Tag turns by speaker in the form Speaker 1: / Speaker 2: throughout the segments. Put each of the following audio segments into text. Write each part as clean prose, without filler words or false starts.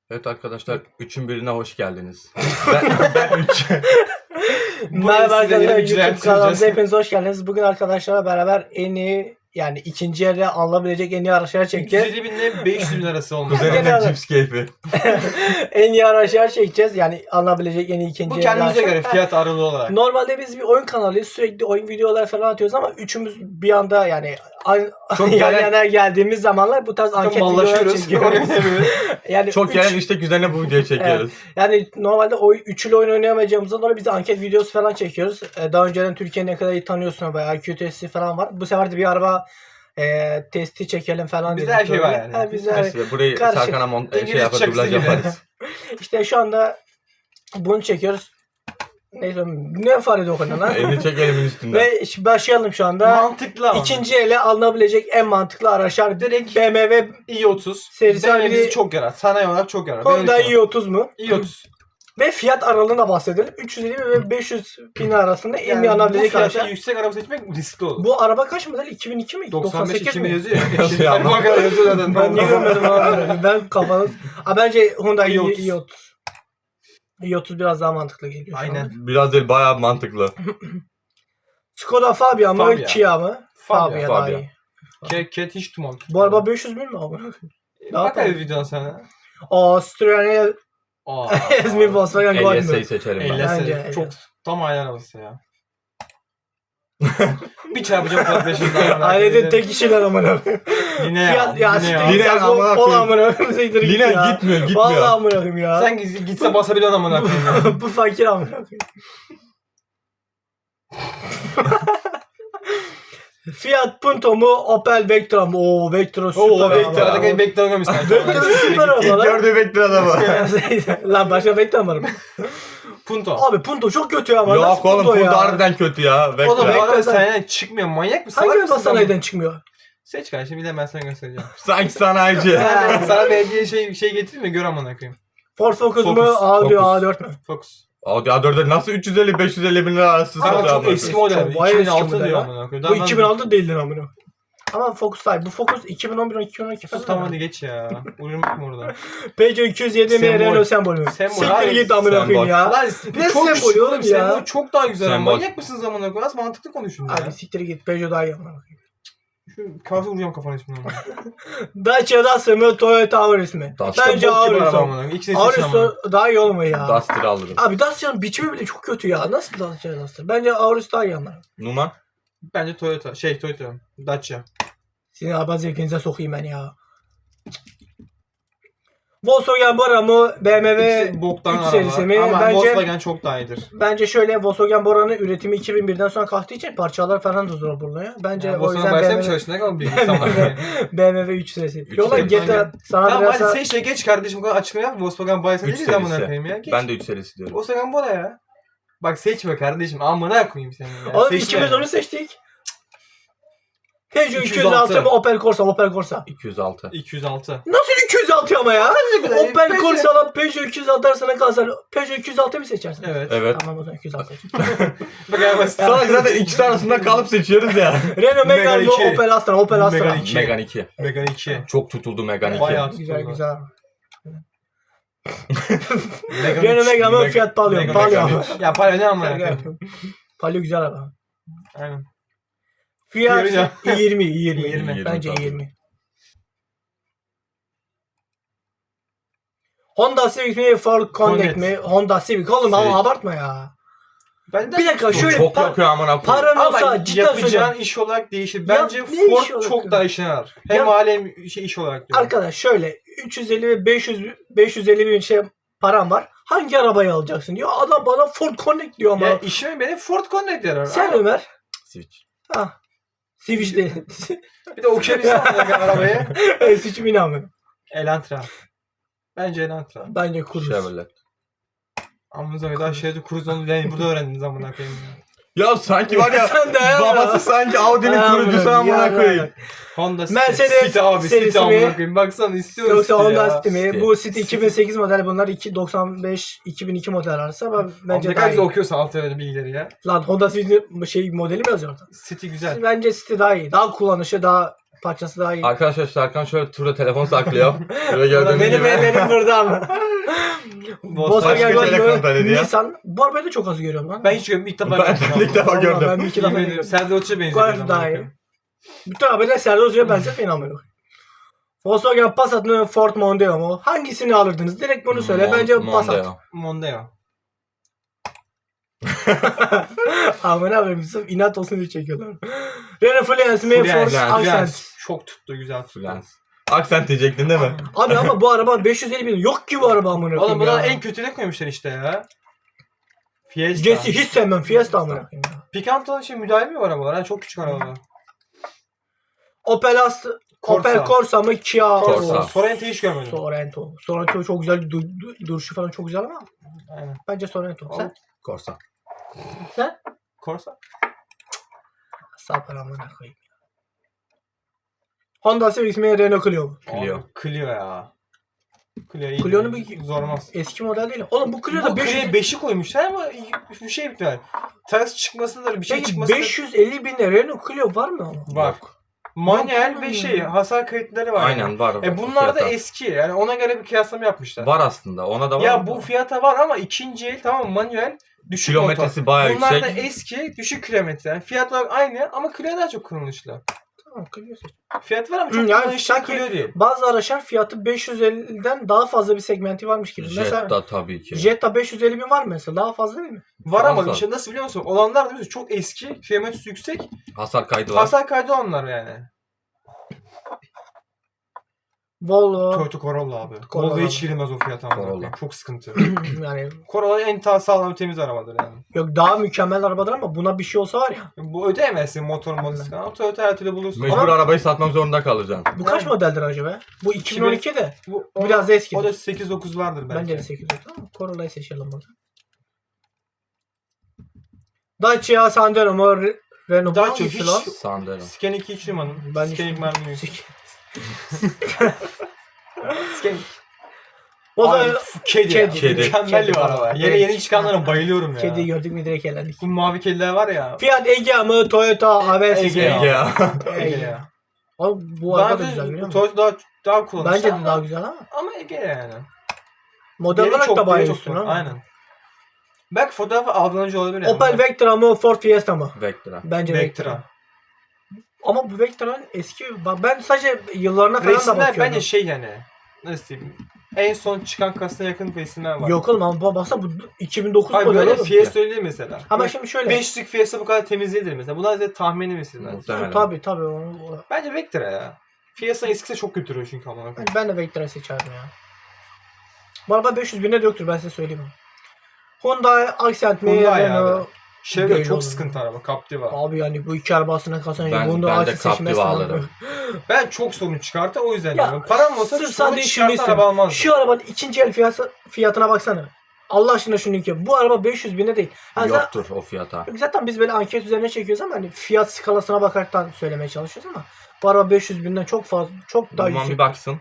Speaker 1: Evet arkadaşlar, üçün birine hoş geldiniz. Ben 3.
Speaker 2: Merhaba arkadaşlar, YouTube kanalımıza
Speaker 3: süreceğiz.
Speaker 2: hepiniz hoş geldiniz. Bugün arkadaşlarla beraber en iyi, yani ikinci elde alınabilecek en iyi araçlar çekeceğiz.
Speaker 3: 350 bin ile 500 bin arası oldu.
Speaker 1: Kuzenimle cips keyfi.
Speaker 2: En iyi araçlar çekeceğiz. Yani alınabilecek en iyi ikinci
Speaker 3: Bu
Speaker 2: el
Speaker 3: kendimize
Speaker 2: araçlar.
Speaker 3: göre fiyat aralığı olarak.
Speaker 2: Normalde biz bir oyun kanalıyız. Sürekli oyun videoları falan atıyoruz ama üçümüz bir anda yani
Speaker 3: Çok
Speaker 2: yan
Speaker 3: gelen-
Speaker 2: yana geldiğimiz zamanlar bu tarz
Speaker 3: Çok
Speaker 2: anket videoları
Speaker 3: mallaşıyoruz.
Speaker 2: çekiyoruz. Yani
Speaker 1: Çok gelen istek üzerine bu videoyu çekiyoruz.
Speaker 2: Yani normalde üçlü oyun oynayamayacağımızdan dolayı biz de anket videosu falan çekiyoruz. Daha önceden Türkiye'yi ne kadar iyi tanıyorsun veya IQ testi falan var. Bu sefer de bir araba testi çekelim falan
Speaker 3: Bizde
Speaker 2: dedik
Speaker 3: her şey var
Speaker 2: böyle.
Speaker 3: yani.
Speaker 2: Ha, bizde her-
Speaker 1: Neyse, burayı
Speaker 2: Karışık.
Speaker 1: Serkan'a
Speaker 3: İngiliz
Speaker 1: yapar,
Speaker 3: çakısı
Speaker 1: dublaj
Speaker 3: gibi.
Speaker 1: yaparız.
Speaker 2: İşte şu anda bunu çekiyoruz. Neyse ne fare dokunan lan.
Speaker 1: Elini çek elimin üstünden.
Speaker 2: Ve başlayalım şu anda.
Speaker 3: Mantıklı ama.
Speaker 2: İkinci ele alınabilecek en mantıklı araçlar
Speaker 3: Direkt
Speaker 2: BMW
Speaker 3: i30.
Speaker 2: serisi
Speaker 3: BMW bizi
Speaker 2: halinde
Speaker 3: çok yarar. Sanayi olarak çok yarar.
Speaker 2: Honda i30 mu?
Speaker 3: i30.
Speaker 2: Ve fiyat aralığına bahsedelim. 350 ve 500 bin arasında en iyi
Speaker 3: Yani bu
Speaker 2: alınabilecek
Speaker 3: fiyata
Speaker 2: araçlar.
Speaker 3: yüksek araba seçmek riskli olur.
Speaker 2: Bu araba kaç model? 2002 mi?
Speaker 3: 95 2000
Speaker 2: mi?
Speaker 3: yazıyor ya.
Speaker 1: Yazıyor ama.
Speaker 3: Bu kadar yazıyor zaten.
Speaker 2: Ben niye görmedim abi? Ben kafanız... Bence Honda
Speaker 3: i30.
Speaker 2: i30. i30 biraz daha mantıklı geliyor. şu
Speaker 3: Aynen.
Speaker 2: an.
Speaker 1: Biraz değil, bayağı mantıklı.
Speaker 2: Skoda Fabia mı?
Speaker 3: Fabia.
Speaker 2: Kia mı?
Speaker 3: Fabia.
Speaker 2: daha
Speaker 1: Fabia.
Speaker 2: iyi.
Speaker 3: Ket hiç tumal.
Speaker 2: Bu araba 500 bin mi abi?
Speaker 3: Bak hadi videodan sana.
Speaker 2: Citroen
Speaker 3: Aa.
Speaker 2: Esmi Volkswagen Golf
Speaker 1: LS'yi
Speaker 2: mü?
Speaker 1: seçerim ben.
Speaker 2: Bence,
Speaker 3: Çok
Speaker 2: evet.
Speaker 3: tam ayar arabası ya. Bir çarpacağım kardeşimden.
Speaker 2: Ailede tek kişiler amına.
Speaker 3: Yine ya.
Speaker 2: Fiyat ya
Speaker 3: Yine ya.
Speaker 2: siktir git ya.
Speaker 1: amına
Speaker 2: Bol
Speaker 1: koyayım.
Speaker 2: amına koyayım.
Speaker 1: Lina gitmiyor.
Speaker 2: Vallahi amına koyayım ya.
Speaker 3: Sen gitse basabiliyorsun amına koyayım ya.
Speaker 2: Bu fakir amına koyayım. Fiat Punto mu Opel Vectra mı? Oo Vectra süper
Speaker 3: Oo
Speaker 2: araba.
Speaker 3: Vectra'da Vectra görmüş sanki.
Speaker 2: Vectra süper
Speaker 1: İlk
Speaker 2: araba lan.
Speaker 1: gördüğü bekler adamı.
Speaker 2: Lan başka Vectra var mı?
Speaker 3: Punto.
Speaker 2: Abi Punto çok kötü ama.
Speaker 1: Yok
Speaker 2: nasıl
Speaker 1: oğlum,
Speaker 2: Punto
Speaker 1: bu
Speaker 2: ya?
Speaker 1: harbiden kötü ya.
Speaker 3: Oğlum
Speaker 1: Vectra.
Speaker 3: bu araba
Speaker 2: Vectra'dan-
Speaker 3: sanayiden çıkmıyor. Manyak mısın?
Speaker 2: Hangi
Speaker 3: Salak
Speaker 2: araba
Speaker 3: mısın
Speaker 2: sanayiden çıkmıyor?
Speaker 3: Seç kardeşim bir de ben sana göstereceğim.
Speaker 1: Sanki sanayici.
Speaker 3: Sana belediye şey getireyim mi? Gör amına koyayım.
Speaker 2: Ford Focus mu?
Speaker 3: Focus,
Speaker 2: Audi
Speaker 1: Focus.
Speaker 2: A4 mü?
Speaker 3: Focus.
Speaker 1: Audi A4'e nasıl 350-550 bin lira arası
Speaker 3: Ama
Speaker 1: satıyor
Speaker 3: çok
Speaker 1: ama.
Speaker 3: eski model.
Speaker 2: Çok bayağı eski
Speaker 3: 2006
Speaker 2: model
Speaker 3: diyor
Speaker 2: ya.
Speaker 3: amına koyayım.
Speaker 2: Bu 2006 değildir amına. Ama Focus değil. Bu Focus 2011-2012
Speaker 3: Sus
Speaker 2: falan.
Speaker 3: tamam hadi geç ya. Uyurmak mı orada?
Speaker 2: Peugeot 207 mi?
Speaker 3: Sembol.
Speaker 2: Renault sembolü mü?
Speaker 3: Sembol
Speaker 2: Siktir
Speaker 3: abi,
Speaker 2: git amına
Speaker 1: sembol.
Speaker 2: koyayım ya.
Speaker 3: Lan
Speaker 2: Ne
Speaker 3: çok
Speaker 2: sembolü
Speaker 3: küçük
Speaker 2: oğlum
Speaker 3: oğlum
Speaker 2: ya?
Speaker 3: Sembol çok daha güzel.
Speaker 1: Sembol.
Speaker 3: Manyak mısınız amına koyayım? Az mantıklı konuşun ya.
Speaker 2: Abi siktir git. Peugeot daha iyi amına koyayım.
Speaker 3: Şu kahve vuracağım kafana şimdi.
Speaker 2: Dacia Duster mı? Toyota Auris mi?
Speaker 1: Duster.
Speaker 2: Bence Auris o.
Speaker 3: İkisini seçin ama.
Speaker 2: Auris daha iyi olmuyor ya.
Speaker 1: Duster alırım.
Speaker 2: Abi Dacia'nın biçimi bile çok kötü ya. Nasıl Dacia Duster? Bence Auris daha iyi ama.
Speaker 1: Numan.
Speaker 3: Bence Toyota. Toyota. Dacia.
Speaker 2: Sizin araba zevkinize sokayım ben ya. Volkswagen Bora mı? BMW
Speaker 3: İkisi boktan
Speaker 2: 3
Speaker 3: araba.
Speaker 2: serisi mi?
Speaker 3: Ama
Speaker 2: Bence
Speaker 3: Volkswagen çok daha iyidir.
Speaker 2: şöyle Volkswagen Bora'nın üretimi 2001'den sonra kalktığı için parçalar falan da zor bulunuyor. Bence
Speaker 3: Yani
Speaker 2: o yüzden
Speaker 3: Volkswagen
Speaker 2: BMW,
Speaker 3: çalıştığında ne kadar bilgisayar var.
Speaker 2: BMW 3 serisi.
Speaker 1: Üç
Speaker 2: Yola
Speaker 1: serisi.
Speaker 2: GTA sana
Speaker 3: Tamam
Speaker 2: biraz
Speaker 3: hadi sen geç kardeşim bu kadar açıklama yap. Volkswagen bayisi
Speaker 1: 3
Speaker 3: değil amına
Speaker 1: serisi.
Speaker 3: koyayım ya. Geç.
Speaker 1: Ben de 3 serisi diyorum.
Speaker 3: Volkswagen Bora ya. Bak seçme kardeşim. Amına koyayım seni ya.
Speaker 2: Oğlum
Speaker 3: Seçme.
Speaker 2: ikimiz onu seçtik. Peugeot
Speaker 3: 206
Speaker 2: 206 mı Opel Corsa?
Speaker 1: 206.
Speaker 3: 206.
Speaker 2: Nasıl 206 ama ya?
Speaker 3: güzel.
Speaker 2: Opel
Speaker 3: Peugeot.
Speaker 2: Corsa'la Peugeot 206 arasına kalsan Peugeot 206 mı seçersin?
Speaker 3: Evet.
Speaker 1: Evet.
Speaker 2: Tamam o zaman 206 seç.
Speaker 3: Bak ya basit.
Speaker 1: Sana zaten ikisi arasında kalıp seçiyoruz ya.
Speaker 2: Renault Megane
Speaker 3: Megane
Speaker 2: mı
Speaker 3: 2.
Speaker 2: Opel Astra?
Speaker 3: Megane 2.
Speaker 1: Megane 2.
Speaker 3: Megane 2.
Speaker 1: Çok tutuldu Megane 2.
Speaker 3: Bayağı.
Speaker 2: Güzel güzel.
Speaker 3: Megane
Speaker 2: Renault
Speaker 3: 3.
Speaker 2: Megane mı
Speaker 1: Meg-
Speaker 2: Fiat Palio?
Speaker 3: Megane
Speaker 2: Palio.
Speaker 3: Ya para ne amına koyayım.
Speaker 2: Palio güzel araba.
Speaker 3: Aynen.
Speaker 2: Fiat
Speaker 3: Diğeri ne?
Speaker 2: 20.
Speaker 3: 20.
Speaker 2: Bence
Speaker 1: tabii.
Speaker 2: 20. Honda Civic mi Ford Connect
Speaker 3: Connect.
Speaker 2: mi? Honda Civic oğlum
Speaker 1: Civic.
Speaker 2: ama abartma ya.
Speaker 3: Ben de
Speaker 2: Bir dakika
Speaker 1: Bu
Speaker 2: şöyle
Speaker 1: çok yakıyor amına koyayım.
Speaker 2: paran olsa
Speaker 3: ama
Speaker 2: cidden
Speaker 3: yapacağın
Speaker 2: söylüyorum.
Speaker 3: iş olarak değişir.
Speaker 2: Ya
Speaker 3: Bence
Speaker 2: ne iş
Speaker 3: Ford
Speaker 2: olarak
Speaker 3: çok
Speaker 2: ya?
Speaker 3: daha işine yarar. Hem
Speaker 2: Ya-
Speaker 3: alem iş olarak diyorum.
Speaker 2: Arkadaş şöyle 350 ve 550 bin param var. Hangi arabayı alacaksın diyor. Adam bana Ford Connect diyor ama.
Speaker 3: Ya işime benim Ford Connect yarar.
Speaker 2: Sen
Speaker 3: Ama
Speaker 2: Ömer.
Speaker 1: Switch.
Speaker 2: Ha. Civic değil.
Speaker 3: bir de okuyabilirsin arabayı.
Speaker 2: Switch mi inanmıyor.
Speaker 3: Elantra. Bence Elantra.
Speaker 2: Bence Cruze.
Speaker 1: Chevrolet.
Speaker 3: Amınıza kadar şeyde Cruise onu yani burada öğrendiniz amına koyayım ya.
Speaker 1: Ya sanki var ya
Speaker 2: Sen de ya.
Speaker 1: babası sanki Audi'nin kurucusu amına koyayım.
Speaker 3: Honda City.
Speaker 2: Mercedes
Speaker 3: City abi
Speaker 2: serisi
Speaker 3: City
Speaker 2: mi?
Speaker 3: amına koyayım. Baksana istiyorum
Speaker 2: Yoksa
Speaker 3: City
Speaker 2: Honda
Speaker 3: ya.
Speaker 2: City mi?
Speaker 1: City.
Speaker 2: Bu City 2008 model bunlar 95-2002 model arası ama
Speaker 3: Bence
Speaker 2: bence
Speaker 3: ne
Speaker 2: daha
Speaker 3: kadar güzel
Speaker 2: iyi.
Speaker 3: okuyorsun alt öyle bilgileri ya.
Speaker 2: Lan Honda City'nin modeli mi yazıyor orada?
Speaker 3: City güzel.
Speaker 2: Bence City daha iyi. Daha kullanışı daha Parçası daha iyi.
Speaker 1: Arkadaşlar Serkan şöyle turda telefon saklıyor. Şöyle gördüğünüz
Speaker 2: Benim
Speaker 1: gibi.
Speaker 2: benim burada ama. Volkswagen
Speaker 1: Başka telefon
Speaker 2: Golf,
Speaker 1: belediye.
Speaker 2: Nissan. Bu arabayı da çok az görüyorum lan.
Speaker 3: Ben hiç görmedim. İlk defa
Speaker 1: Ben
Speaker 3: gördüm.
Speaker 1: ilk defa
Speaker 2: Vallahi
Speaker 1: gördüm.
Speaker 2: Ben bir iki defa
Speaker 3: Yemin ederim.
Speaker 2: görüyorum.
Speaker 3: Serdar Uç'a benziyor.
Speaker 2: Golf daha iyi. Bütün arabayla Serdar Hoca'ya benzetmeyin amına. Volkswagen Passat mı Ford Mondeo mu? Hangisini alırdınız? Direkt bunu söyle. Bence Passat.
Speaker 1: Mondeo.
Speaker 3: Mondeo.
Speaker 2: Amına koyayım sırf inat olsun diye çekiyorlar. Renault Fluence mi? Ford
Speaker 1: Fluence,
Speaker 2: Accent.
Speaker 3: Çok tuttu güzel tuttu.
Speaker 1: Fluence. Accent diyecektin değil mi?
Speaker 2: Abi ama bu araba 550 bin. Yok ki bu araba amına
Speaker 3: Oğlum
Speaker 2: koyayım
Speaker 3: buna
Speaker 2: ya.
Speaker 3: en kötüne koymuşlar işte ya. Fiesta.
Speaker 2: Jesse hiç sevmem. Fiesta amına koyayım ya.
Speaker 3: Picanto'nun şey müdahale mi var arabalar? Ha, çok küçük arabalar.
Speaker 2: Opel Astra.
Speaker 3: Corsa.
Speaker 2: Opel Corsa mı? Kia.
Speaker 1: Corsa.
Speaker 3: Sorrento'yu hiç görmedim.
Speaker 2: Sorento. Sorento çok güzel. Duruşu falan çok güzel ama.
Speaker 3: Aynen.
Speaker 2: Bence Sorento. Sen?
Speaker 1: Corsa.
Speaker 2: Sen?
Speaker 3: Corsa.
Speaker 2: Sapar amına koyayım. Honda Civic mi? Renault Clio mu?
Speaker 1: Clio.
Speaker 3: Abi, Clio ya. Clio iyi.
Speaker 2: Clio'nun bir-
Speaker 3: Zormaz.
Speaker 2: Eski model değil. Oğlum bu Clio'da
Speaker 3: Bu
Speaker 2: 500...
Speaker 3: Clio'ya 5'i koymuşlar ama bir şey bitiyor. Ters çıkmasındır bir şey
Speaker 2: Peki
Speaker 3: çıkmasındır.
Speaker 2: 550 binde Renault Clio var mı ama?
Speaker 3: Var.
Speaker 1: Yok.
Speaker 3: Manuel
Speaker 2: Yok,
Speaker 3: ve
Speaker 2: yok.
Speaker 3: şey hasar kayıtları var. yani.
Speaker 1: Aynen var.
Speaker 3: Bunlar da
Speaker 1: Fiyata.
Speaker 3: eski. Yani ona göre bir kıyaslama yapmışlar.
Speaker 1: Var aslında. Ona da var.
Speaker 3: Ya bu fiyata var ama ikinci el tamam manuel düşük
Speaker 1: Kilometresi
Speaker 3: motor.
Speaker 1: bayağı
Speaker 3: Bunlar
Speaker 1: yüksek.
Speaker 3: da eski düşük kilometre. Yani fiyat olarak aynı ama Clio daha çok kullanışlı.
Speaker 2: Tamam Clio seç.
Speaker 3: Fiyat var ama çok
Speaker 2: Yani
Speaker 3: kullanışlı
Speaker 2: sanki-
Speaker 3: Clio değil.
Speaker 2: Bazı araçlar fiyatı 550'den daha fazla bir segmenti varmış gibi. Mesela
Speaker 1: Jetta tabii ki.
Speaker 2: Jetta 550 bin var mı mesela? Daha fazla değil mi?
Speaker 3: Var ama
Speaker 1: Fazla.
Speaker 3: işte nasıl biliyor musun? Olanlar da biliyorsun çok eski, kilometresi yüksek.
Speaker 1: Hasar kaydı var.
Speaker 3: Hasar kaydı onlar yani.
Speaker 2: Volvo
Speaker 3: Toyota Corolla abi.
Speaker 2: Corolla
Speaker 3: Volvo hiç
Speaker 2: abi.
Speaker 3: girmez o fiyata. amına
Speaker 1: Corolla.
Speaker 3: koyayım. Çok sıkıntı.
Speaker 2: yani
Speaker 3: Corolla en sağlam temiz arabadır yani.
Speaker 2: yok daha mükemmel arabadır ama buna bir şey olsa var ya.
Speaker 3: Bu ödeyemezsin motor modası falan. Toyota her türlü bulursun.
Speaker 1: Mecbur
Speaker 2: Ama-
Speaker 1: arabayı satmak zorunda kalacaksın.
Speaker 2: Bu kaç
Speaker 3: Yani.
Speaker 2: modeldir acaba? Bu 2012'de.
Speaker 3: Bu,
Speaker 2: Biraz da eski.
Speaker 3: O da 8-9'lardır belki.
Speaker 2: Bence de 8 tamam. Corolla'yı seçelim burada. Dacia Sandero mu? Renault
Speaker 3: Dacia
Speaker 2: hangisi
Speaker 3: hiç-
Speaker 2: lan?
Speaker 1: Sandero.
Speaker 3: Scanik 2 numaranın.
Speaker 2: Ben
Speaker 3: Scanik mermi.
Speaker 2: Sik-
Speaker 3: Scanik.
Speaker 2: O zaman
Speaker 3: Abi, kedi.
Speaker 2: Kedi.
Speaker 3: Mükemmel
Speaker 2: Kedi.
Speaker 3: bir araba. Yeni
Speaker 2: Evet.
Speaker 3: yeni çıkanlara bayılıyorum ya.
Speaker 2: kediyi gördük mü direkt eğlendik.
Speaker 3: Bu mavi kediler var ya.
Speaker 2: Fiat Egea mı? Toyota Avensis
Speaker 3: Egea.
Speaker 2: mi?
Speaker 1: Ege ya.
Speaker 3: Ege ya.
Speaker 2: Abi bu araba da
Speaker 3: Bence
Speaker 2: güzel biliyor musun?
Speaker 3: Toyota daha kullanışlı.
Speaker 2: Bence de
Speaker 3: ama-
Speaker 2: daha güzel ama.
Speaker 3: Ama Ege yani.
Speaker 2: Model
Speaker 3: Yeri
Speaker 2: olarak
Speaker 3: çok-
Speaker 2: da bayağı
Speaker 3: yeri çok
Speaker 2: üstün
Speaker 3: zor.
Speaker 2: ama.
Speaker 3: Aynen. Belki fotoğrafı aldanıcı olabilir yani.
Speaker 2: Opel Vectra mı? Ford Fiesta mı?
Speaker 1: Vectra.
Speaker 2: Bence Vectra.
Speaker 3: Vectra.
Speaker 2: Ama bu Vectra'nın eski... Bak ben sadece yıllarına falan da
Speaker 3: Resimler
Speaker 2: bakıyorum.
Speaker 3: bence şey yani. Nasıl diyeyim? En son çıkan kasına yakın resimler var.
Speaker 2: Yok oğlum ama baksana bu 2009
Speaker 3: Hayır
Speaker 2: model
Speaker 3: böyle
Speaker 2: oğlum.
Speaker 3: Fiesta öyle değil mesela.
Speaker 2: Ama şimdi şöyle.
Speaker 3: 500'lük Fiesta bu kadar temiz değildir mesela. Bunlar da tahmini mesela.
Speaker 1: Muhtemelen.
Speaker 2: Tabii.
Speaker 3: Bence Vectra ya. Fiesta eskisi çok götürüyor çünkü ama.
Speaker 2: Ben de Vectra seçerdim ya. Bu araba 500 bine de yoktur ben size söyleyeyim. Hyundai Accent mi?
Speaker 3: Hyundai
Speaker 2: Renault?
Speaker 3: abi. Chevrolet
Speaker 2: Değil
Speaker 3: çok
Speaker 2: oğlum.
Speaker 3: sıkıntı araba. Captiva.
Speaker 2: Abi yani bu iki arabasına kazanınca
Speaker 1: Ben
Speaker 2: bunu
Speaker 1: de
Speaker 2: Accent
Speaker 1: Captiva
Speaker 2: seçmezsen
Speaker 1: alırım.
Speaker 3: Ben çok sorun çıkarttı o yüzden
Speaker 2: Ya,
Speaker 3: diyorum. Param olsa
Speaker 2: sırf
Speaker 3: sorun
Speaker 2: sadece şunu
Speaker 3: çıkartan araba
Speaker 2: istiyorum.
Speaker 3: almazdım.
Speaker 2: Şu arabanın ikinci el fiyatına baksana. Allah aşkına şunu ki bu araba 500 bine değil. Yani
Speaker 1: Yoktur o fiyata.
Speaker 2: zaten biz böyle anket üzerine çekiyoruz ama hani fiyat skalasına bakaraktan söylemeye çalışıyoruz ama bu araba 500 binden çok fazla çok daha
Speaker 1: Duman
Speaker 2: yüksek.
Speaker 1: bir baksın.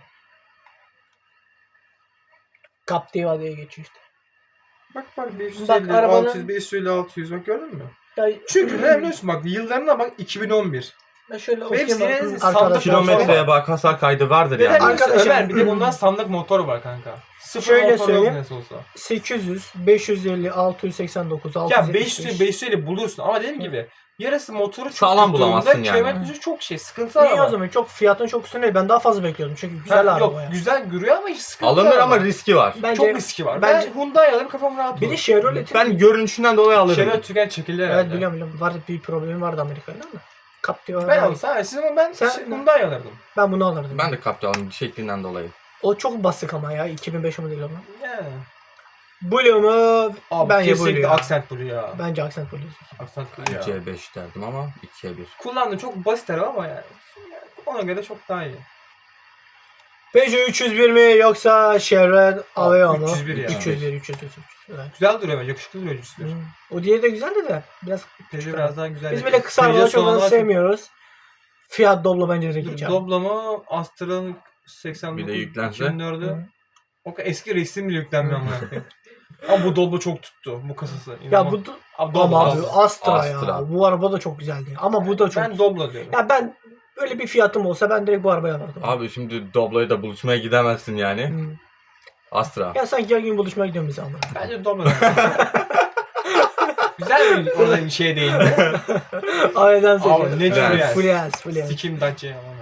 Speaker 2: Captiva diye geçiyor işte.
Speaker 3: Bak 550,
Speaker 2: Bak, arabanın-
Speaker 3: 600, 550, 600 bak gördün mü?
Speaker 2: Ya,
Speaker 3: Çünkü ne biliyorsun bak yıllarına bak 2011.
Speaker 2: ben şöyle
Speaker 3: Hepsi
Speaker 2: okuyayım
Speaker 3: yine
Speaker 2: bakayım
Speaker 3: sandık
Speaker 2: arkadaşlar.
Speaker 1: Kilometreye bak, hasar kaydı vardır
Speaker 3: Neden
Speaker 1: yani.
Speaker 2: Arkadaşlar-
Speaker 3: Ömer bir de bundan sandık motor var kanka. Sıfır
Speaker 2: Şöyle
Speaker 3: motor
Speaker 2: söyleyeyim.
Speaker 3: yok nasıl olsa.
Speaker 2: 800, 550, 689,
Speaker 3: Ya
Speaker 2: 675.
Speaker 3: 500, 550 bulursun ama dediğim gibi yarısı motoru çok
Speaker 1: Sağlam
Speaker 3: tuttuğunda
Speaker 1: bulamazsın yani.
Speaker 3: kilometresi çok şey sıkıntı
Speaker 2: Niye
Speaker 3: araba.
Speaker 2: o zaman? Çok fiyatın çok üstünde değil. Ben daha fazla bekliyordum çünkü güzel
Speaker 3: Ha,
Speaker 2: araba
Speaker 3: yok
Speaker 2: ya.
Speaker 3: güzel görüyor ama hiç sıkıntı
Speaker 1: Alınır
Speaker 3: araba.
Speaker 1: ama riski var.
Speaker 2: Bence,
Speaker 3: Çok riski var.
Speaker 2: bence-
Speaker 3: Ben Hyundai alırım kafam rahat
Speaker 2: bir
Speaker 3: olur.
Speaker 2: de Chevrolet'in
Speaker 1: Ben görünüşünden dolayı alırım.
Speaker 3: Chevrolet tüken çekildi herhalde.
Speaker 2: evet biliyorum. Var bir problemi vardı Amerika'da ama. Captiva.
Speaker 3: Ben alsam siz ama ben
Speaker 2: Sen-
Speaker 3: Hyundai alırdım.
Speaker 2: Ben bunu alırdım.
Speaker 1: Ben de Captiva'nın şeklinden dolayı.
Speaker 2: O çok basık ama ya 2005 modeli ama.
Speaker 3: Yani.
Speaker 2: Blue mu?
Speaker 3: Abi
Speaker 2: Bence Blue
Speaker 3: kesinlikle
Speaker 2: ya.
Speaker 3: Accent Blue ya.
Speaker 2: Bence Accent Blue.
Speaker 3: Accent Blue ya.
Speaker 1: C5 derdim ama 2'ye 1.
Speaker 3: Kullandım çok basit araba ama yani. Ona göre çok daha iyi.
Speaker 2: Peugeot 301 mi yoksa Chevrolet Aveo mu?
Speaker 3: 301 ya.
Speaker 2: 301. Evet.
Speaker 3: Güzel duruyor bence. Yakışıklı duruyor cüsler.
Speaker 2: O diğeri de güzeldi de biraz
Speaker 3: Peugeot biraz daha güzel.
Speaker 2: biz böyle kısa arabaları çok fazla sevmiyoruz. Fiat Doblo bence direkt geçer.
Speaker 3: Doblama Astra'nın 89
Speaker 1: Bir de yüklense.
Speaker 3: 2004'ü.
Speaker 2: Hı.
Speaker 3: O kadar eski resim bile yüklenmiyor ama. Ama bu Doblo çok tuttu. Bu kasası.
Speaker 2: Ya
Speaker 3: İnanılmaz.
Speaker 2: bu
Speaker 3: Abi,
Speaker 2: ama
Speaker 3: Doblo.
Speaker 2: abi Astra ya.
Speaker 1: Astra.
Speaker 2: Bu araba da çok güzeldi. Ama bu da çok.
Speaker 3: Ben Doblo diyorum.
Speaker 2: Ya ben Öyle bir fiyatım olsa ben direkt bu arabayı alırdım.
Speaker 1: Abi şimdi Doblo'ya da buluşmaya gidemezsin yani.
Speaker 2: Hmm.
Speaker 1: Astra.
Speaker 2: Ya sanki her gün buluşmaya gidiyorum biz ama.
Speaker 3: Bence Doblo. Güzel bir orada bir şey değindi.
Speaker 2: Aileden
Speaker 3: Abi
Speaker 2: söylüyorum.
Speaker 3: ne diyor yani?
Speaker 2: Fluence.
Speaker 3: Sikim Dacia ama.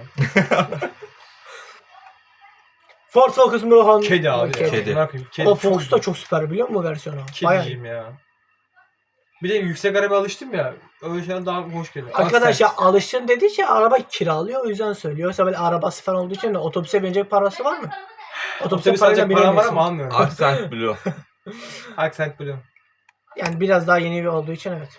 Speaker 2: Ford Focus mu? Honda?
Speaker 3: Kedi abi.
Speaker 1: Kedi.
Speaker 3: Ne yapayım? Kedi
Speaker 2: O
Speaker 3: çok
Speaker 2: Focus da çok süper biliyor musun versiyonu? Bayağı.
Speaker 3: kediciyim ya. Bir de yüksek araba alıştım ya. Öyle şeyler daha hoş geliyor.
Speaker 2: Arkadaş ya
Speaker 3: Accent.
Speaker 2: alıştın dediği şey araba kiralıyor o yüzden söylüyor. Yoksa böyle arabası falan olduğu için de otobüse binecek parası var mı?
Speaker 3: Otobüse
Speaker 2: parayla
Speaker 3: sadece param var
Speaker 2: binemiyorsun.
Speaker 3: ama almıyorum.
Speaker 1: Accent Blue.
Speaker 3: Accent Blue.
Speaker 2: Yani biraz daha yeni bir olduğu için evet.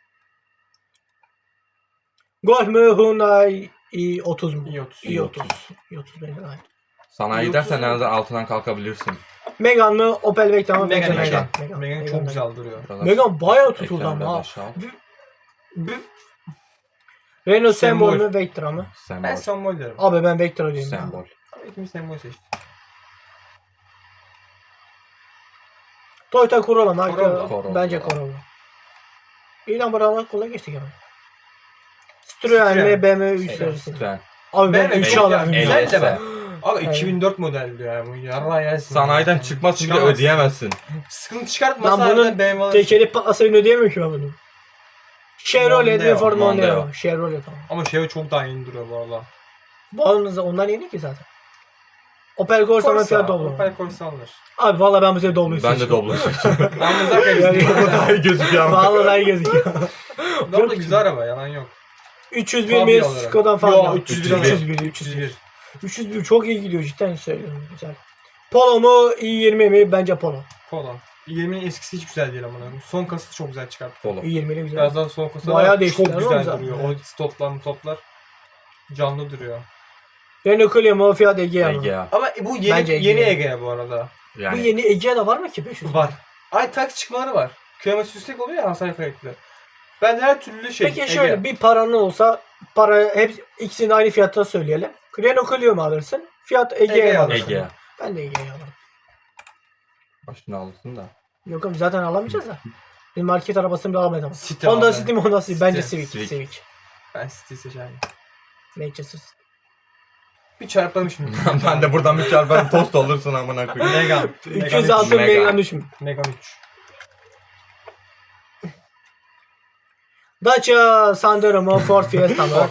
Speaker 2: Golf mu Hyundai i30 mu?
Speaker 3: i30.
Speaker 2: i30. i30 bence daha iyi.
Speaker 1: Sanayi gidersen nereden altından kalkabilirsin.
Speaker 2: Megane mı Opel Vectra mı? Bence
Speaker 3: Megane.
Speaker 2: Megane.
Speaker 3: Megane çok güzel duruyor.
Speaker 1: Biraz
Speaker 2: Megane bayağı tutuldu
Speaker 1: ekranı biraz
Speaker 2: ama.
Speaker 1: aşağı al.
Speaker 2: Renault Sembol
Speaker 3: Sembol.
Speaker 2: mu Vectra mı?
Speaker 3: Ben
Speaker 1: Sembol.
Speaker 3: Sembol derim.
Speaker 2: Abi ben Vectra diyeyim. ya.
Speaker 1: Sembol.
Speaker 3: İkimiz Sembol seçtik.
Speaker 2: Toyota Corolla mı?
Speaker 3: Corolla.
Speaker 2: Bence Corolla. İyi lan buralar kolay geçtik hemen. Citroen mi BMW 3 serisi?
Speaker 1: Lütfen.
Speaker 2: Abi ben
Speaker 3: BMW
Speaker 2: 3
Speaker 3: çok
Speaker 2: alayım.
Speaker 3: güzel
Speaker 2: ya.
Speaker 3: de ben. Abi
Speaker 2: Evet.
Speaker 3: 2004 model diyor ya bu. Yarra yersin.
Speaker 1: Sanayiden çıkmaz çünkü
Speaker 3: Çıkamazsın.
Speaker 1: ödeyemezsin.
Speaker 3: Sıkıntı çıkartmasa
Speaker 2: Lan bunun
Speaker 3: harbiden BMW alırsın.
Speaker 2: tekeri patlasa beni ödeyemiyor ki ben bunu. Chevrolet mi
Speaker 3: Mondeo.
Speaker 2: Ford Mondeo?
Speaker 1: Mondeo.
Speaker 2: Chevrolet tamam.
Speaker 3: Ama şey çok daha iyi duruyor bu arada.
Speaker 2: Onlar yeni ki zaten. Opel Corsa mı Fiat Doblo mu?
Speaker 3: Opel Corsa alır.
Speaker 2: Abi valla ben bu sefer Doblo'yu
Speaker 1: Ben de
Speaker 2: seçiyorum.
Speaker 1: Doblo seçiyorum.
Speaker 3: Yalnız zaten
Speaker 2: Yani-
Speaker 3: güzel.
Speaker 1: Daha iyi gözüküyor ama.
Speaker 2: Valla daha iyi gözüküyor.
Speaker 3: Doblo güzel araba yalan yok.
Speaker 2: 301
Speaker 3: Fabia
Speaker 2: mi
Speaker 3: alırım.
Speaker 2: Skoda'dan
Speaker 3: Yo,
Speaker 2: falan.
Speaker 3: 301.
Speaker 2: 301. 301 çok iyi gidiyor cidden söylüyorum. Güzel. Polo mu i20 mi? Bence Polo.
Speaker 3: Polo. 20'nin eskisi hiç güzel değil ama. Son kasası çok güzel çıkarttı.
Speaker 1: Polo.
Speaker 2: i20'li güzel.
Speaker 3: Biraz daha son kasa
Speaker 2: Bayağı
Speaker 3: çok
Speaker 2: değiştiler
Speaker 3: güzel
Speaker 2: oğlum zaten.
Speaker 3: duruyor. O stoplar canlı duruyor.
Speaker 2: Renault Clio mu Fiat Egea mı?
Speaker 1: Egea.
Speaker 3: Ama bu yeni
Speaker 2: Bence
Speaker 3: yeni
Speaker 2: Egea.
Speaker 3: Egea bu arada.
Speaker 2: Bu
Speaker 1: Yani
Speaker 2: yeni Egea'da var mı ki 500?
Speaker 3: Var. Ay taksi çıkmaları var. Kilometre yüksek oluyor ya hasar kayıtlı. Ben her türlü şey
Speaker 2: Peki şöyle
Speaker 3: Egea.
Speaker 2: bir paranın olsa hep ikisini aynı fiyatta söyleyelim. Renault Clio mu alırsın? Fiat Egea
Speaker 3: Egea
Speaker 2: mı
Speaker 3: alırsın.
Speaker 2: alırsın?
Speaker 1: Egea.
Speaker 2: Ben de Egea'yı alırım.
Speaker 1: Başını alırsın da.
Speaker 2: Yok oğlum zaten alamayacağız da. Bir market arabasını bile alamayız ama.
Speaker 3: City
Speaker 2: Honda
Speaker 3: abi.
Speaker 2: City mi Honda Civic? Bence
Speaker 3: City.
Speaker 2: Civic.
Speaker 1: Civic.
Speaker 2: Civic.
Speaker 3: Ben City seçerim.
Speaker 2: Manchester.
Speaker 3: Bir çarplamışım.
Speaker 1: Ben de buradan bir çarpan tost olursun amına koyayım.
Speaker 3: Megane.
Speaker 2: 306
Speaker 1: Megane.
Speaker 2: Megane düşmüş.
Speaker 3: Megane 3.
Speaker 2: Dacia Sandero mu Ford Fiesta mı?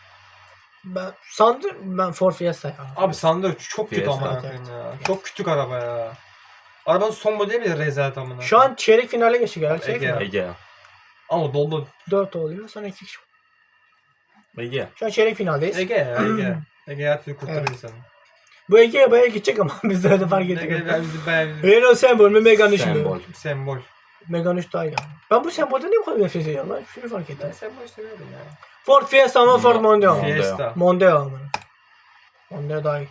Speaker 2: Ben Ford Fiesta ya.
Speaker 3: Abi Sandero çok kötü
Speaker 1: Fiesta.
Speaker 3: amına koyayım ya. Çok küçük araba ya. Arabanın son modeli bile rezalet amına.
Speaker 2: Şu an çeyrek finale geçtik herhalde. Çeyrek
Speaker 3: Egea.
Speaker 2: final.
Speaker 1: Egea.
Speaker 3: ama dolu
Speaker 2: 4 oluyor sonra 2 kişi.
Speaker 1: Egea.
Speaker 2: Şu an çeyrek finaldeyiz.
Speaker 3: Ege ya Ege. Ege her türlü kurtarır
Speaker 2: Evet.
Speaker 3: insanı.
Speaker 2: Bu Ege'ye bayağı gidecek ama biz de öyle fark ettik.
Speaker 3: Ege bizi bayağı
Speaker 2: Renault Sembol mu Megane 3 mü?
Speaker 1: Sembol.
Speaker 3: sembol.
Speaker 2: Megane 3 daha iyi. ama. Ben bu sembolden niye bu kadar nefret ediyorum lan? Şunu fark ettim.
Speaker 3: Ben sembol seviyorum ya.
Speaker 2: Ford Fiesta mı Ford Mondeo mu?
Speaker 1: Mondeo.
Speaker 3: Fiesta.
Speaker 2: Mondeo ama. Mondeo daha iyi.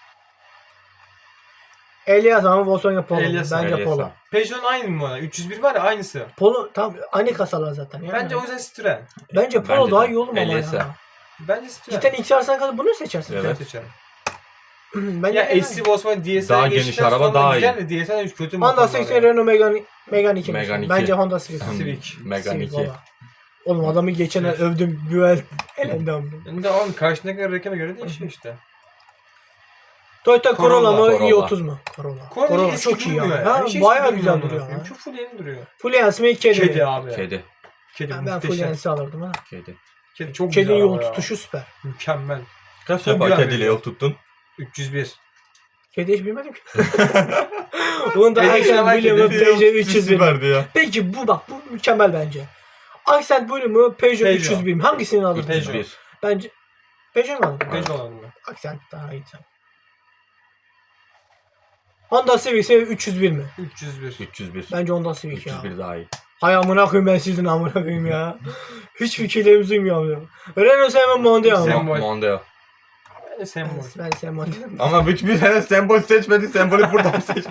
Speaker 2: Elias ama Volkswagen Polo.
Speaker 3: Elias,
Speaker 2: Bence
Speaker 1: Elias.
Speaker 2: Polo.
Speaker 3: Peugeot'un aynı mı var? 301 var ya aynısı.
Speaker 2: Polo tam aynı kasalar zaten. Yani.
Speaker 3: Bence o yüzden Citroen.
Speaker 2: Bence Polo
Speaker 1: Bence
Speaker 2: daha
Speaker 1: de.
Speaker 2: iyi oğlum ama
Speaker 1: Elias'a.
Speaker 2: ya.
Speaker 3: Bence Citroen.
Speaker 2: Cidden ilk çağırsan kadar bunu seçersin.
Speaker 1: Evet.
Speaker 3: Ben seçerim.
Speaker 2: Bence
Speaker 3: Ya
Speaker 2: Megane.
Speaker 3: eski Volkswagen DSL'e
Speaker 1: Daha geniş
Speaker 3: geçtikten
Speaker 1: araba
Speaker 3: sonra
Speaker 1: daha
Speaker 3: güzel de DSL 3 kötü
Speaker 2: Honda
Speaker 3: motorlar
Speaker 2: Civic
Speaker 3: ya.
Speaker 2: Renault Megane 2.
Speaker 1: Megane 2.
Speaker 2: Bence Honda Civic.
Speaker 3: Civic.
Speaker 1: Megane
Speaker 2: Civic
Speaker 1: 2.
Speaker 2: valla. Oğlum adamı geçen el övdüm. Güvel elendi amına.
Speaker 3: Yani de oğlum karşındaki rakama göre değişiyor işte.
Speaker 2: Toyota Corolla mı
Speaker 1: Corolla.
Speaker 2: i30 mu? Corolla.
Speaker 3: Corolla eski
Speaker 2: çok iyi ya.
Speaker 3: durmuyor ya.
Speaker 2: Ha,
Speaker 3: Hiç eski
Speaker 2: bayağı
Speaker 3: durmuyor
Speaker 2: güzel
Speaker 3: amına
Speaker 2: duruyor.
Speaker 3: koyayım.
Speaker 2: Ha.
Speaker 3: Çok full yeni duruyor.
Speaker 2: Fluence mi kedi mi?
Speaker 3: Kedi abi.
Speaker 1: Kedi.
Speaker 3: Kedi
Speaker 2: Ben
Speaker 3: muhteşem.
Speaker 2: Fluence'i alırdım ha.
Speaker 1: Kedi.
Speaker 3: Kedi çok güzel
Speaker 2: Kedinin yol
Speaker 3: araba ya.
Speaker 2: tutuşu süper.
Speaker 3: Mükemmel.
Speaker 1: Kaç
Speaker 3: Çok
Speaker 1: defa
Speaker 3: güzel
Speaker 1: kediyle
Speaker 3: veriyor.
Speaker 1: yol tuttun?
Speaker 3: 301.
Speaker 2: Kedi hiç bilmedim ki. Bunu da
Speaker 3: Kedi
Speaker 2: Accent
Speaker 3: sever
Speaker 2: Blue mu
Speaker 3: kedi.
Speaker 2: Peugeot 301 mi?
Speaker 1: Süperdi ya.
Speaker 2: Peki bu bak bu mükemmel bence. Accent Blue mu Peugeot 301 mi? Hangisini alırdın?
Speaker 3: Peugeot.
Speaker 1: 301.
Speaker 2: Bence Peugeot mu alırdın?
Speaker 3: Peugeot olalım mı?
Speaker 2: Accent daha iyi. Honda Civic ise 301 mi?
Speaker 3: 301.
Speaker 1: 301.
Speaker 2: Bence Honda Civic ya.
Speaker 1: 301 daha iyi.
Speaker 2: Hay amına koyayım ben sizin amına koyayım ya. Hiç fikirlerimiz uymuyor ya. Renault Sembol Mondeo mu?
Speaker 3: Sembol.
Speaker 1: Mondeo.
Speaker 3: Ben sembol.
Speaker 2: Ben Sembol dedim.
Speaker 1: Ama hiçbir tane sembol seçmedi. Sembolü buradan seçti.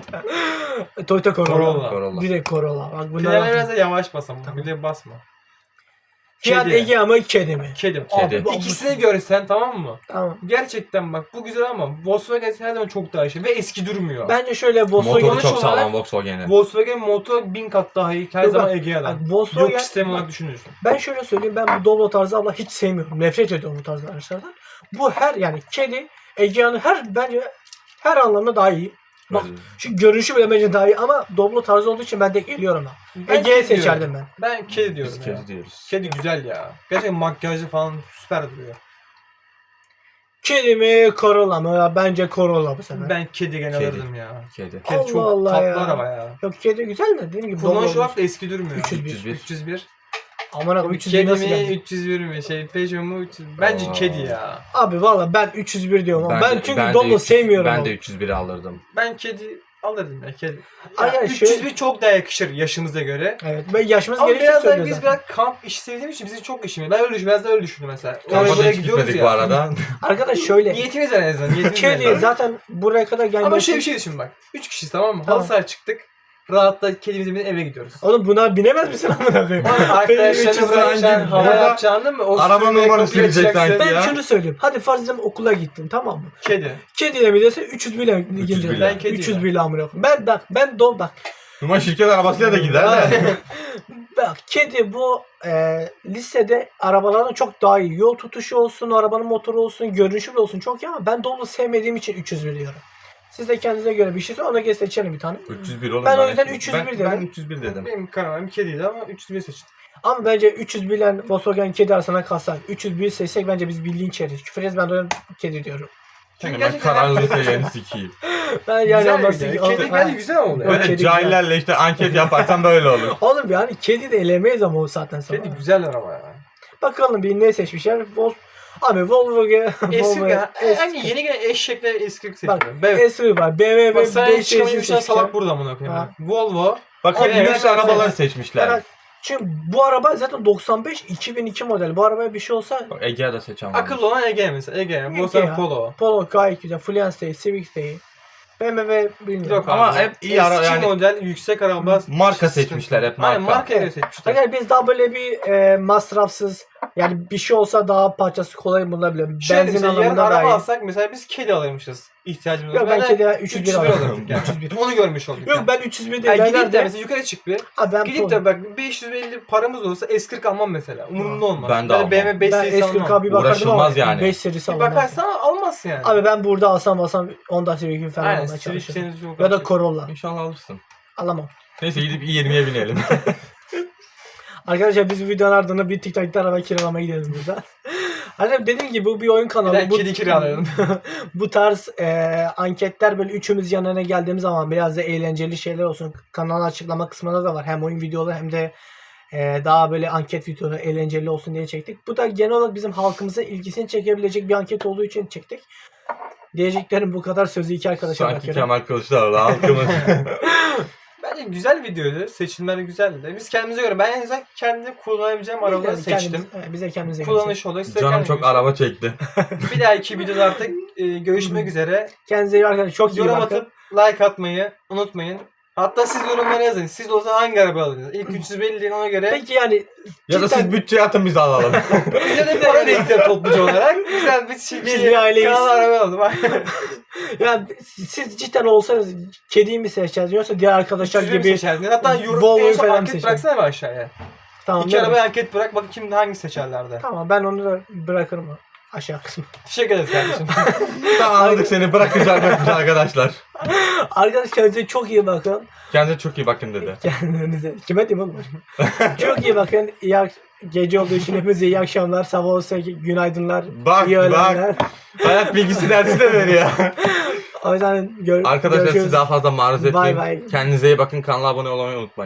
Speaker 2: Toyota Corolla.
Speaker 3: Corolla.
Speaker 1: Corolla.
Speaker 2: Direkt Corolla. Bak
Speaker 3: Finale
Speaker 2: bunlar
Speaker 3: biraz da yavaş basam. Bir de basma.
Speaker 2: Fiat
Speaker 3: Kedi.
Speaker 2: Egea mı kedi mi?
Speaker 3: Kedim.
Speaker 1: Kedi.
Speaker 2: Abi,
Speaker 3: İkisini görsen tamam mı?
Speaker 2: Tamam.
Speaker 3: Gerçekten bak bu güzel ama Volkswagen her zaman çok daha iyi ve eski durmuyor.
Speaker 2: Bence şöyle Volkswagen
Speaker 1: Motoru çok
Speaker 3: olarak-
Speaker 1: sağlam Volkswagen'in.
Speaker 3: Volkswagen motor 1000 kat daha iyi her
Speaker 2: Yok,
Speaker 3: zaman
Speaker 2: bak,
Speaker 3: Egea'dan.
Speaker 2: bak, Volkswagen-
Speaker 3: Yok sistem olarak düşünüyorsun.
Speaker 2: ben şöyle söyleyeyim, ben bu Doblo tarzı abla hiç sevmiyorum. Nefret ediyorum bu tarz araçlardan. Bu her yani kedi Egea'nın bence her anlamda daha iyi. Bak şu görünüşü bile bence daha iyi ama Doblo tarzı olduğu için ben de geliyorum ben.
Speaker 3: Ben
Speaker 2: Egea'yı
Speaker 3: kedi
Speaker 2: seçerdim
Speaker 3: diyorum.
Speaker 2: ben.
Speaker 3: Ben kedi diyorum
Speaker 1: Biz
Speaker 3: ya.
Speaker 1: kedi diyoruz.
Speaker 3: Kedi güzel ya. Gerçekten makyajı falan süper duruyor.
Speaker 2: Kedi mi Corolla mı? Ya bence Corolla bu sefer.
Speaker 3: Ben kedi gene
Speaker 1: Kedi.
Speaker 3: alırdım ya.
Speaker 1: Kedi.
Speaker 3: Kedi
Speaker 2: Allah
Speaker 3: çok
Speaker 2: Allah
Speaker 3: tatlı
Speaker 2: ya.
Speaker 3: araba ya.
Speaker 2: Yok kedi güzel de dediğim gibi
Speaker 3: Kullanış
Speaker 2: Doblo
Speaker 3: olarak da eski durmuyor.
Speaker 2: 301.
Speaker 3: 301.
Speaker 2: Aman akım 301
Speaker 3: Kedi
Speaker 2: nasıl
Speaker 3: mi
Speaker 2: geldi?
Speaker 3: 301 mi Peugeot mu 300. Bence
Speaker 1: Aa.
Speaker 3: kedi ya.
Speaker 2: Abi valla ben 301 diyorum ama ben çünkü
Speaker 1: de
Speaker 2: Doblo
Speaker 1: 300
Speaker 2: sevmiyorum.
Speaker 1: Ben
Speaker 2: abi.
Speaker 1: de 301'i alırdım.
Speaker 3: Ben kedi alırdım ya kedi.
Speaker 2: Ay,
Speaker 3: Ya,
Speaker 2: yani
Speaker 3: 301 çok daha yakışır yaşımıza göre.
Speaker 2: Evet ben yaşımız
Speaker 3: Ama
Speaker 2: gerekçe
Speaker 3: biraz da
Speaker 2: söylüyor
Speaker 3: biz
Speaker 2: zaten.
Speaker 3: biraz kamp işi sevdiğimiz için bizim çok işimiz. Ben öyle düşündüm. Biraz da öyle düşündüm mesela.
Speaker 1: Kampa
Speaker 3: Oraya
Speaker 1: da
Speaker 3: buraya
Speaker 1: hiç
Speaker 3: gidiyoruz
Speaker 1: gitmedik
Speaker 3: ya.
Speaker 1: bu arada.
Speaker 2: Arkadaş şöyle.
Speaker 3: Niyetimiz var en azından. Niyetimiz var.
Speaker 2: Kedi zaten buraya kadar gelmesi.
Speaker 3: Ama şöyle bir şey düşün bak. 3 kişiyiz tamam mı?
Speaker 2: Tamam.
Speaker 3: Halı sahaya çıktık. Rahatla kedimizi binip eve gidiyoruz.
Speaker 2: Oğlum buna binemez misin amına koyayım?
Speaker 3: Arkadaşlarını bırakacaksın, hava
Speaker 1: Ya.
Speaker 3: yapacaksın mı? O
Speaker 1: Araba
Speaker 3: sürmeye
Speaker 1: numarası
Speaker 3: kapıyı
Speaker 1: bilecek
Speaker 3: açacaksın.
Speaker 1: sanki.
Speaker 2: Ben
Speaker 1: Ya.
Speaker 2: şunu söyleyeyim. Hadi farz edelim okula gittin tamam mı?
Speaker 3: Kedi.
Speaker 2: Kediyle mi dese 301 ile
Speaker 1: 301
Speaker 2: gideceksin.
Speaker 1: ile.
Speaker 3: Ben kedi
Speaker 2: 301 ile amına koyayım. Ben bak.
Speaker 1: Numan şirket arabasıyla da gider de.
Speaker 2: Bak kedi bu listede arabalardan çok daha iyi. Yol tutuşu olsun, arabanın motoru olsun, görünüşü bile olsun çok iyi ama ben Doblo sevmediğim için 301 diyorum. Siz de kendinize göre bir şey söyle ona göre seçelim bir tane.
Speaker 1: 301 oğlum.
Speaker 2: Ben o yüzden 301
Speaker 1: ben,
Speaker 2: dedim.
Speaker 1: Ben 301 dedim.
Speaker 3: Benim kararım kediydi ama 301 seçtim.
Speaker 2: Ama bence 301 ile Volkswagen kedi arasına kalsak 301 seçsek bence biz bildiğin çeriz. Küfür ederiz ben de o yüzden kedi diyorum.
Speaker 1: Çünkü ben
Speaker 3: gerçekten-
Speaker 1: kararlı seviyeni sikeyim.
Speaker 2: Ben yani
Speaker 3: Güzel
Speaker 2: anlasın.
Speaker 3: bir de. Kedi bence güzel oldu.
Speaker 2: Evet.
Speaker 1: Böyle
Speaker 2: kedi
Speaker 1: cahillerle işte anket yaparsan böyle olur.
Speaker 2: Oğlum yani kedi de elemeyiz ama o saatten sonra.
Speaker 3: Kedi güzel araba ya.
Speaker 2: Bakalım bir ne seçmişler. Abi Volkswagen.
Speaker 3: Eski ya.
Speaker 2: eski.
Speaker 3: Hani yeni gelen eşekle eski
Speaker 2: Bak
Speaker 3: seçiyorum. Evet.
Speaker 2: S var. BMW
Speaker 3: Bak sana
Speaker 2: 5
Speaker 3: çıkamayı düşünen
Speaker 2: seçmişler.
Speaker 3: salak burada amına koyayım.
Speaker 2: Ha.
Speaker 3: Volvo.
Speaker 1: Bak hep
Speaker 2: Evet,
Speaker 1: lüks
Speaker 2: evet,
Speaker 1: arabaları
Speaker 2: evet.
Speaker 1: seçmişler.
Speaker 2: Yani çünkü bu araba zaten 95 2002 model. Bu arabaya bir şey olsa
Speaker 1: Bak Egea'da seçen var.
Speaker 3: Akıllı olan Ege mesela. Ege. Volkswagen Polo.
Speaker 2: Polo gayet güzel. Fluence değil, Civic değil. BMW bilmiyorum.
Speaker 3: Yok
Speaker 1: Ama
Speaker 3: abi.
Speaker 1: hep iyi ara-
Speaker 3: Eski
Speaker 1: yani-
Speaker 3: model yüksek araba.
Speaker 1: Marka seçmişler hep, marka.
Speaker 3: Aynen markaya göre seçmişler.
Speaker 2: Arkadaşlar biz daha böyle bir masrafsız yani bir şey olsa daha parçası kolay bulunabilir.
Speaker 3: Şöyle
Speaker 2: Benzin
Speaker 3: mesela yarın
Speaker 2: anlamında
Speaker 3: araba
Speaker 2: daha iyi.
Speaker 3: alsak mesela biz kedi alırmışız. İhtiyacımız
Speaker 2: Yok ben
Speaker 3: de
Speaker 2: kedi 301
Speaker 3: 301
Speaker 2: alırım.
Speaker 3: alırdık yani.
Speaker 2: 301.
Speaker 3: Onu görmüş olduk.
Speaker 2: Yok
Speaker 3: yani.
Speaker 2: ben 301 değil.
Speaker 3: Yani
Speaker 2: Ben
Speaker 3: gidip de
Speaker 2: nerede?
Speaker 3: mesela yukarı çık bir.
Speaker 2: Abi ben
Speaker 3: Gidip de bak 550 paramız olsa S40 almam mesela. Umurumda olmaz.
Speaker 1: Ben de
Speaker 3: Böyle
Speaker 1: almam.
Speaker 3: BMW 5
Speaker 2: ben
Speaker 3: serisi
Speaker 2: S40
Speaker 3: almam.
Speaker 2: bir bakardım ama
Speaker 1: Uğraşılmaz yani.
Speaker 2: 5 serisi
Speaker 3: Bir
Speaker 2: alamam.
Speaker 3: bakarsan almazsın yani.
Speaker 2: Abi ben burada alsam Honda Civic'i falan
Speaker 3: Aynen
Speaker 2: almaya
Speaker 3: Civic
Speaker 2: çalışırım.
Speaker 3: senin çok
Speaker 2: Ya da Corolla.
Speaker 1: İnşallah alırsın.
Speaker 2: Alamam.
Speaker 1: Neyse gidip i20'ye binelim.
Speaker 2: Arkadaşlar biz bu videonun ardından bir TikTok'ta araba kiralamaya gidelim burada. Arkadaşlar dediğim gibi bu bir oyun kanalı.
Speaker 3: Bir de kedi kiralayalım.
Speaker 2: Bu tarz anketler böyle üçümüz yan yana geldiğimiz zaman biraz da eğlenceli şeyler olsun. Kanalın açıklama kısmında da var. Hem oyun videoları hem de daha böyle anket videoları eğlenceli olsun diye çektik. Bu da genel olarak bizim halkımızın ilgisini çekebilecek bir anket olduğu için çektik. Diyeceklerim bu kadar, sözü iki arkadaşa
Speaker 1: Sanki
Speaker 2: bırakıyorum.
Speaker 1: Kemal Kılıçdaroğlu halkımız.
Speaker 3: Bence güzel videoydu. Seçimleri güzeldi. Biz kendimize göre ben en azından kendi kullanabileceğim arabaları
Speaker 2: Biz
Speaker 3: seçtim.
Speaker 2: kendimiz- bize kendimize göre
Speaker 3: Kullanış olarak size
Speaker 1: Canım
Speaker 3: kendiniz
Speaker 1: çok
Speaker 3: göre.
Speaker 1: araba çekti.
Speaker 3: Bir dahaki videoda artık görüşmek üzere.
Speaker 2: Kendinize iyi arkadaşlar. Çok iyi
Speaker 3: Yorum
Speaker 2: bakın.
Speaker 3: atıp like atmayı unutmayın. Hatta siz yorumlara yazın. Siz de olsa hangi araba alırdınız? İlk 350 deyin ona göre.
Speaker 2: Peki yani
Speaker 1: Ya da
Speaker 2: cidden-
Speaker 1: siz bütçe atın biz alalım.
Speaker 3: Bize de para biriktirelim topluca olarak. Güzel biz
Speaker 2: Biz bir aileyiz.
Speaker 3: Kanal araba alalım.
Speaker 2: yani siz cidden olsanız kediyi mi seçeceksiniz yoksa diğer arkadaşlar
Speaker 3: Üçüncü
Speaker 2: gibi
Speaker 3: seçerdin. Hatta yorum
Speaker 2: Volvo'yu
Speaker 3: en son
Speaker 2: falan
Speaker 3: anket
Speaker 2: seçerim.
Speaker 3: bıraksana bir aşağıya.
Speaker 2: tamam
Speaker 3: İki
Speaker 2: değil mi?
Speaker 3: arabaya anket bırak. Bakın kim hangi seçerlerdi.
Speaker 2: Tamam ben onu da bırakırım aşağı kısmı.
Speaker 3: Teşekkür ederiz kardeşim.
Speaker 1: Tamam anladık seni bırakacağız arkadaşlar.
Speaker 2: Arkadaşlar kendinize çok iyi bakın.
Speaker 1: Kendinize çok iyi bakın dedi.
Speaker 2: Kendinize. Kime diyeyim oğlum? Çok iyi bakın. Gece olduğu için hepinize iyi akşamlar. Sabah olsa günaydınlar.
Speaker 1: Bak
Speaker 2: iyi öğlenler.
Speaker 1: Hayat bilgisi dersi de veriyor.
Speaker 2: O yüzden
Speaker 1: Arkadaşlar
Speaker 2: görüşürüz.
Speaker 1: sizi daha fazla maruz
Speaker 2: Bye
Speaker 1: etmeyeyim.
Speaker 2: bye.
Speaker 1: Kendinize iyi bakın. Kanala abone olmayı unutmayın.